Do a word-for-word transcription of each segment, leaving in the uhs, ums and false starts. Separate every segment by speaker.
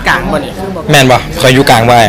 Speaker 1: กลางบ่นี่
Speaker 2: แม่นบ่คอยอยู่กลางไว้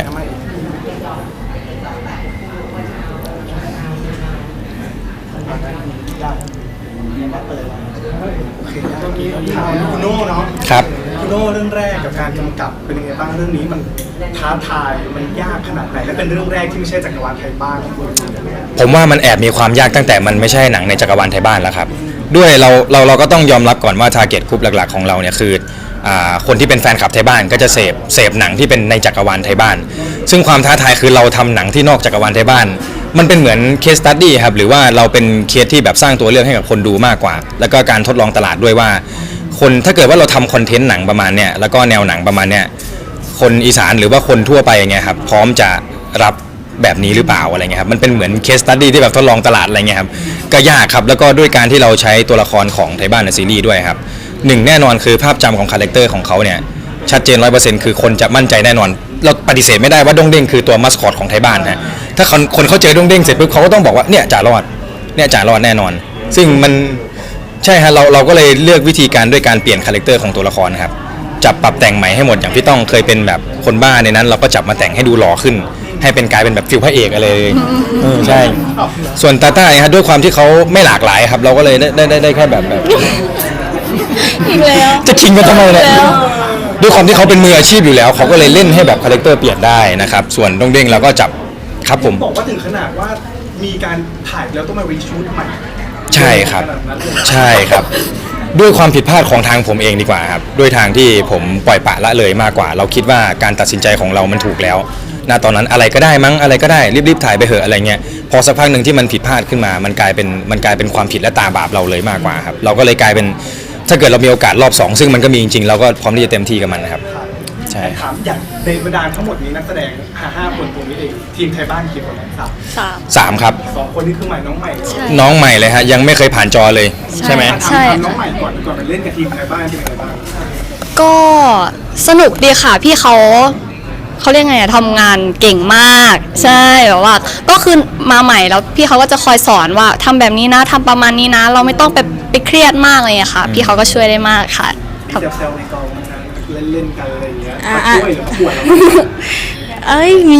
Speaker 3: คุณโน่เนาะ
Speaker 2: ครับ
Speaker 3: คุณโน่เรื่องแรกกับการกำกับเป็นยังไงบ้างเรื่องนี้มันท้าทายมันยากขนาดไหนและเป็นเรื่องแรกที่ไม่ใช่จักรวาลไทยบ้านของคุณ
Speaker 2: ผมว่ามันแอบมีความยากตั้งแต่มันไม่ใช่หนังในจักรวาลไทยบ้านแล้วครับด้วยเราเราเราก็ต้องยอมรับก่อนว่าทาร์เก็ตกลุ่มหลักๆของเราเนี่ยคือคนที่เป็นแฟนคลับไทยบ้านก็จะเสพเสพหนังที่เป็นในจักรวาลไทยบ้านซึ่งความท้าทายคือเราทำหนังที่นอกจักรวาลไทยบ้านมันเป็นเหมือนเคสสตั๊ดดี้ครับหรือว่าเราเป็นเคสที่แบบสร้างตัวเรื่องให้กับคนดูมากกว่าแล้วก็การทดลองตลาดด้วยว่าคนถ้าเกิดว่าเราทำคอนเทนต์หนังประมาณเนี้ยแล้วก็แนวหนังประมาณเนี้ยคนอีสานหรือว่าคนทั่วไปอย่างเงี้ยครับพร้อมจะรับแบบนี้หรือเปล่าอะไรเงี้ยครับมันเป็นเหมือนเคสสตั๊ดดี้ที่แบบทดลองตลาดอะไรเงี้ยครับก็ยากครับแล้วก็ด้วยการที่เราใช้ตัวละครของไทยบ้านในซีรีส์ด้วยครับหนึ่งแน่นอนคือภาพจำของคาแรคเตอร์ของเขาเนี่ยชัดเจน ร้อยเปอร์เซ็นต์ คือคนจะมั่นใจแน่นอนเราปฏิเสธไม่ได้ว่าด้งเด้งคือตัวมัสคอตของไทยบ้านฮะถ้าคนคนเขาเจอด้งเด้งเสร็จปุ๊บเขาก็ต้องบอกว่าเนี่ยจ่ารอดเนี่ยจ่ารอดแน่นอนซึ่งมันใช่ฮะเราเราก็เลยเลือกวิธีการด้วยการเปลี่ยนคาแรคเตอร์ของตัวละครนะครับจับปรับแต่งใหม่ให้หมดอย่างพี่ต้องเคยเป็นแบบคนบ้าในนั้นเราก็จับมาแต่งให้ดูหล่อขึ้นให้เป็นกลายเป็นแบบฟิลพระเอกอะไรเลยใช่ส่วนตาต้าฮะด้วยความที่เขาไม่หลากหลายครับเราก็เลยได้ได้ได้แค่แบบแบบ
Speaker 4: อีกแล้ว
Speaker 2: จะชิงกันทำไมเนี่ยด้วยความที่เขาเป็นมืออาชีพอยู่แล้วเขาก็เลยเล่นให้แบบคาแรคเตอร์เปลี่ยนได้นะครับส่วนด้งเด้งเราก็จับครับผม
Speaker 3: บอกว่าถึงขนาดว่ามีการถ่ายแล้วต้องมารีชูตใหม่
Speaker 2: ใช่ครับใช่ครับด้วยความผิดพลาดของทางผมเองดีกว่าครับด้วยทางที่ผมปล่อยปละละเลยมากกว่าเราคิดว่าการตัดสินใจของเรามันถูกแล้วณตอนนั้นอะไรก็ได้มั้งอะไรก็ได้รีบๆถ่ายไปเหอะอะไรเงี้ยพอสักพักหนึ่งที่มันผิดพลาดขึ้นมามันกลายเป็นมันกลายเป็นความผิดและตาบาปเราเลยมากกว่าครับเราก็เลยกลายเป็นถ้าเกิดเรามีโอกาสรอบสองซึ่งมันก็มีจริงๆเราก็พร้อมที่จะเต็มที่กับมันนะครับใช่
Speaker 3: ถามอย่างในบรรดาทั้งหมดนี้นักแสดงห้าคนตรงนี้เองทีมไทยบ้านกี่คนสาม
Speaker 4: สาม
Speaker 2: สามครับ
Speaker 3: สองคนนี้คือใหม่น้องใหม่
Speaker 2: น้องใหม่เลยฮะยังไม่เคยผ่านจอเลยใช่ไหม
Speaker 4: ใช่
Speaker 3: น้องใหม่ก่อนก่อนไปเล่นกับทีมไทยบ้านเป็นยังไงบ้าง
Speaker 4: ก็สนุกดีค่ะพี่เขาเขาเรียกไงอะทำงานเก่งมากใช่แบบว่าก็คือมาใหม่แล้วพี่เขาก็จะคอยสอนว่าทำแบบนี้นะทำประมาณนี้นะเราไม่ต้องไปไปเครียดมากเลยค่ะพี่เขาก็ช่วยได้มากค่ะ
Speaker 3: เซลในกองเล่นเล่นกันอะไรอย่างเงี้ยมาช่วยหรือมาป่วน
Speaker 5: เอ้ยมี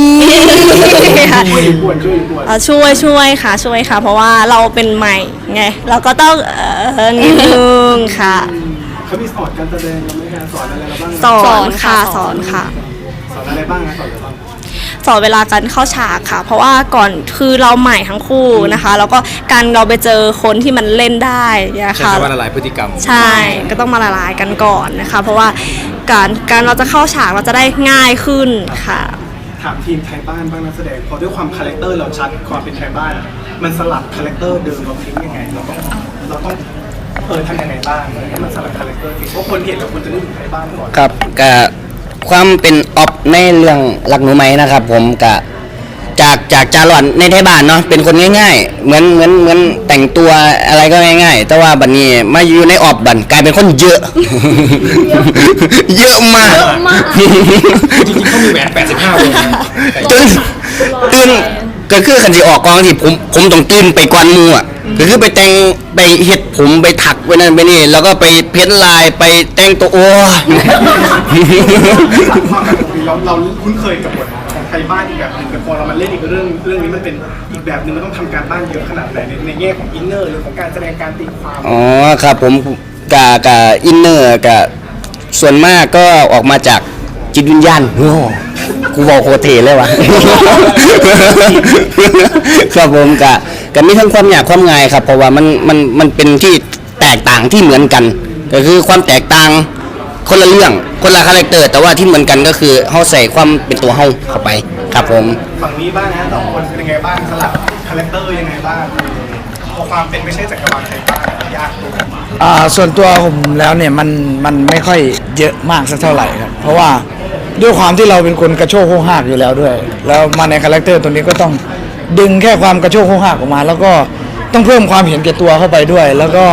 Speaker 5: ช่วยช่วยค่ะช่วยค่ะเพราะว่าเราเป็นใหม่ไงเราก็ต้องเออนิดนึงค่ะ
Speaker 3: เขามีสอนการแสดงเราไหมคะสอนอะไรเราบ้าง
Speaker 5: สอนค่ะสอนค่ะ
Speaker 3: สอนอะไรบ้างนะสอนอะไรบ้าง
Speaker 5: สอนเวลาการเข้าฉากค่ะเพราะว่าก่อนคือเราใหม่ทั้งคู่นะคะแล้วก็การเราไปเจอคนที่มันเล่นได้นะคะ
Speaker 2: ใช่ว่าละลายพฤติกรรม
Speaker 5: ใช่ก็ต้องมาละลายกันก่อนนะคะเพราะว่าการการเราจะเข้าฉากเราจะได้ง่ายขึ้นค่ะ
Speaker 3: ถามทีมไทยบ้านบ้างนักแสดงพอด้วยความคาแรคเตอร์เราชัดความเป็นไทยบ้านมันสลับคาแรคเตอร์เดิมเราทิ้งยังไงเราต้องเราต้องเออทำยังไงบ้างให้มันสลับคาแรคเตอร์เพราะคนเห็นแล้วคนจะนึกถึงไทยบ้านก่อน
Speaker 1: ครับก็ความเป็นออฟในเรื่องหลักหนูไหมนะครับผมกะจากจากจารอนในไทยบ้านเนาะเป็นคนง่ายๆเหมือนเหมือนเหมือนแต่งตัวอะไรก็ง่ายๆแต่ว่าบัดนี้มาอยู่ในออฟบันกลายเป็นคนเยอะเยอะมาก
Speaker 2: จริงๆเขามีแหวนแปดสิบห้าวง
Speaker 1: จนตื่นก็คือคันสิออกกองที่ผมผมต้องตื่นไปกวนมูอ่ะก็คือไปแต่งไปเฮ็ดผมไปถักไปนั่นไปนี่แล้วก็ไปเพ้นลายไปแต่งตัวโอ้
Speaker 3: เราเราคุ้นเคยกับบทของไทยบ้านอีกแบบหนึ่งแต่พอเรามาเล่นอีกเรื่องเรื่องนี้มันเป็นอีกแบบหนึ่งมันต้องทำการบ้านเยอะขนาดไหนในในแง่ของอินเนอร์หรือของการแสดงการตีความ
Speaker 1: อ๋อครับผมกะกะอินเนอร์กะส่วนมากก็ออกมาจากจิตวิญญาณโอ้กูบอกโคเทเลยวะครับผมกะกะมีทั้งความยากความง่ายครับเพราะว่ามันมันมันเป็นที่แตกต่างที่เหมือนกันก็คือความแตกต่างคนละเรื่องคนละคาแรคเตอร์แต่ว่าที่เหมือนกันก็คือเฮาใส่ความเป็นตัวเฮาเข้าไปครับผม
Speaker 3: ฝั่งนี้บ้างนะสองคนเป็นยังไงบ้างสลับคาแรคเตอร์ยังไงบ้างพอความเป็นไม่ใช่จักรวาลไทยบ้านยากตัว
Speaker 6: อ่าส่วนตัวผมแล้วเนี่ยมันมันไม่ค่อยเยอะมากสักเท่าไหร่ครับเพราะว่าด้วยความที่เราเป็นคนกระโชกโค้งหักอยู่แล้วด้วยแล้วมาในคาแรคเตอร์ตัวนี้ก็ต้องดึงแค่ความกระโชกโค้งหักออกมาแล้วก็ต้องเพิ่มความเห็นแก่ตัวเข้าไปด้วยแล้วก็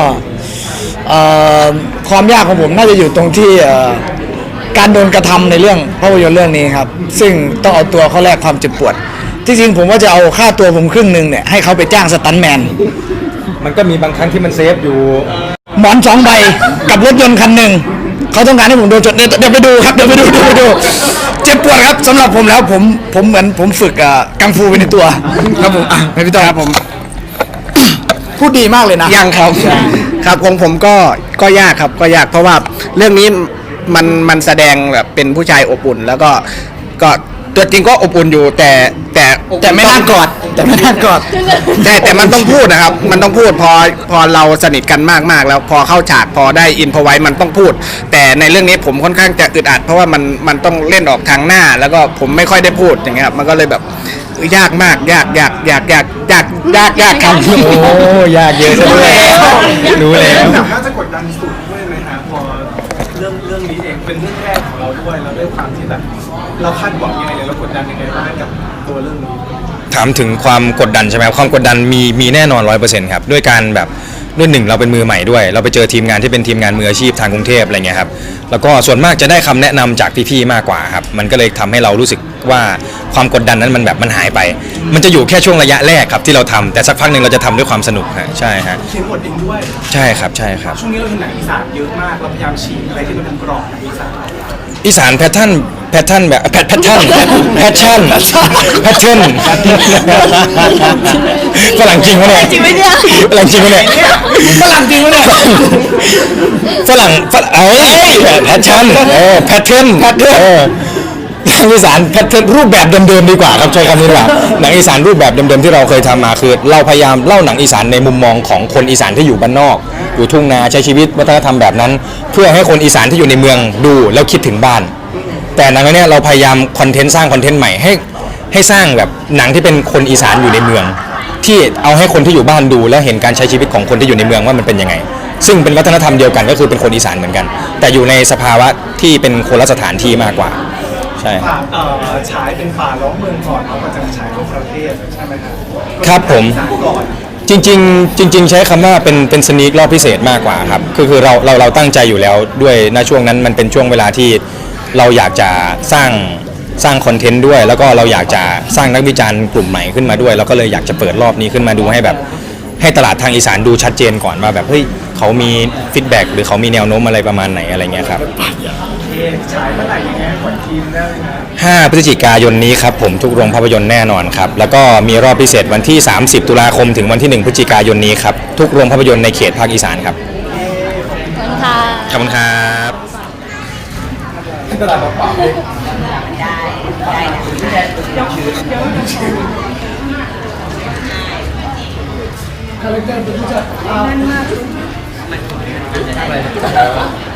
Speaker 6: ความยากของผมน่าจะอยู่ตรงที่การโดนกระทำในเรื่องภาพยนตร์เรื่องนี้ครับซึ่งต้องเอาตัวเขาแลกความเจ็บปวดที่จริงผมว่าจะเอาค่าตัวผมครึ่งหนึ่งเนี่ยให้เขาไปจ้างสตันท์แมน
Speaker 2: มันก็มีบางครั้งที่มันเซฟอยู่
Speaker 6: หมอนสองใบกับรถยนต์คันหนึ่งเขาต้องการให้ผมโดนจดเดี๋ยวเดี๋ยวไปดูครับเดี๋ยวไปดูเดี๋ยวไปดูเจ็บปวดครับสำหรับผมแล้วผมผมเหมือนผมฝึกอ่ะกังฟูไปในตัวครับผมอ่ะไม่พี่ต้อยครับผม พูดดีมากเลยนะ
Speaker 7: ยังครับครับของผมก็ก็ยากครับก็ยากเพราะว่าเรื่องนี้มันมันแสดงแบบเป็นผู้ชายอบอุ่น แล้วก็ก็ตัวจริงก็อบอุ่นอยู่แต่แต่
Speaker 6: แต่ไม่น่ากอดแต่ไม่น่ากอด
Speaker 7: แต่แต่มันต้องพูดนะครับ มันต้องพูดพอพอเราสนิทกันมากมากๆแล้วพอเข้าฉากพอได้อินพอไว้มันต้องพูด แต่ในเรื่องนี้ผมค่อนข้างจะอึดอัด เพราะว่ามันมันต้องเล่นออกทางหน้า แล้วก็ผมไม่ค่อยได้พูดอย่างเงี้ยครับมันก็เลยแบบยากมากยากยากยากยากยากยากยากครับ
Speaker 2: โอ้ยากเยอะซะด้วยรู้แล้ว
Speaker 3: หนังน่าจะกดดันสุดด้วยไหมฮะพอเรื่องเรื่องนี้เองเป็นเรื่องแรกของเราด้วยแล้วด้วยความที่แบบเราคาดหวังยังไงเลยเรากดดันยังไงบ้างกับตัวเรื่องนี้
Speaker 2: ถามถึงความกดดันใช่ไหมครับความกดดันมีมีแน่นอนร้อยเปอร์เซ็นต์ครับด้วยการแบบด้วยหนึ่งเราเป็นมือใหม่ด้วย เราไปเจอทีมงานที่เป็นทีมงานมืออาชีพทางกรุงเทพอะไรเงี้ยครับแล้วก็ส่วนมากจะได้คำแนะนำจากพี่ๆมากกว่าครับมันก็เลยทำให้เรารู้สึกว่าความกดดันนั้นมันแบบมันหายไป มันจะอยู่แค่ช่วงระยะแรกครับที่เราทำแต่สักพักหนึ่งเราจะทำด้วยความสนุกฮะใช่ฮะ
Speaker 3: เขียนบทเองด้วย
Speaker 2: ใช่ครับใช่ครับ
Speaker 3: ช่วงนี้เราเห็นหนังอีสานเยอะมากเราพยายามฉีกอะไรที่มันเป็นกรอบหนังอีสาน
Speaker 2: อีสานแพทเทิร์นแพทเทิร์นแบบแพทแพทเทิร์นแพทเทิร์นแพทเทิร์นฝรั่งจริงวะเนี่ย
Speaker 4: จริงไหมเนี่ย
Speaker 2: ฝรั่งจริงวะเนี่ยฝรั่งจริงวะเนี่ยฝรั่งฝรั่งเอ้ยแพทเทิร์นเออแพทเทิร์นแพทเทิร์นเออหนังอีสานแพทเทิร์นรูปแบบเดิมๆดีกว่าครับใช้คำนี้ดีกว่าหนังอีสานรูปแบบเดิมๆที่เราเคยทำมาคือ เราพยายามเล่าหนังอีสานในมุมมองของคนอีสานที่อยู่บ้านนอกอยู่ทุ่งนาใช้ชีวิตวัฒนธรรมแบบนั้น เพื่อให้คนอีสานที่อยู่ในเมืองดูแล้วคิดถึงบ้าน แต่หนังเรื่องนี้เราพยายามคอนเทนต์สร้างคอนเทนต์ใหม่ให้ให้สร้างแบบหนังที่เป็นคนอีสานอยู่ในเมือง ที่เอาให้คนที่อยู่บ้านดูแล้วเห็นการใช้ชีวิตของคนที่อยู่ในเมืองว่ามันเป็นยังไง ซึ่งเป็นวัฒนธรรมเดียวกันก็คือเป็นคนอีสานเหมือนกัน แต่อยู่ในสภาวะที่เป็นคนละสถานที่มากกว่าใช่
Speaker 3: ป่าเอ่อฉายเป็นป่าล้อมเมืองก่อนเขาก็จะมาฉายทั่วประเทศใช่ไหมครับ
Speaker 2: ครับผม
Speaker 3: อีสานก่อน
Speaker 2: จริงๆจริง ๆ ใช้คำว่าเป็นเป็นสนีกรอบพิเศษมากกว่าครับคือคือเราเราเราตั้งใจอยู่แล้วด้วยณช่วงนั้นมันเป็นช่วงเวลาที่เราอยากจะสร้างสร้างคอนเทนต์ด้วย แล้วก็เราอยากจะสร้างนักวิจารณ์กลุ่มใหม่ขึ้นมาด้วยเราก็เลยอยากจะเปิดรอบนี้ขึ้นมาดูให้แบบให้ตลาดทางอีสานดูชัดเจนก่อนว่าแบบเฮ้ยเขามีฟีดแบ็กหรือเขามีแนวโน้มอะไรประมาณไหนอะไรเงี้ยครับ
Speaker 3: โอเคฉายเมื่อไหร่ยังไงก่อนทีมได้ไหมนะ
Speaker 2: ห้าพฤศจิกายนนี้ครับผมทุกโรงภาพยนตร์แน่นอนครับแล้วก็มีรอบพิเศษวันที่สามสิบตุลาคมถึงวันที่หนึ่งพฤศจิกายนนี้ครับทุกโรงภาพยนตร์ในเขตภาคอีสานครับ
Speaker 4: ค่ะ
Speaker 2: ขอบคุณครับ
Speaker 3: ที่ตลาดเปล่าๆเลย
Speaker 8: คาแรคเตอร์เป็นผู้จัด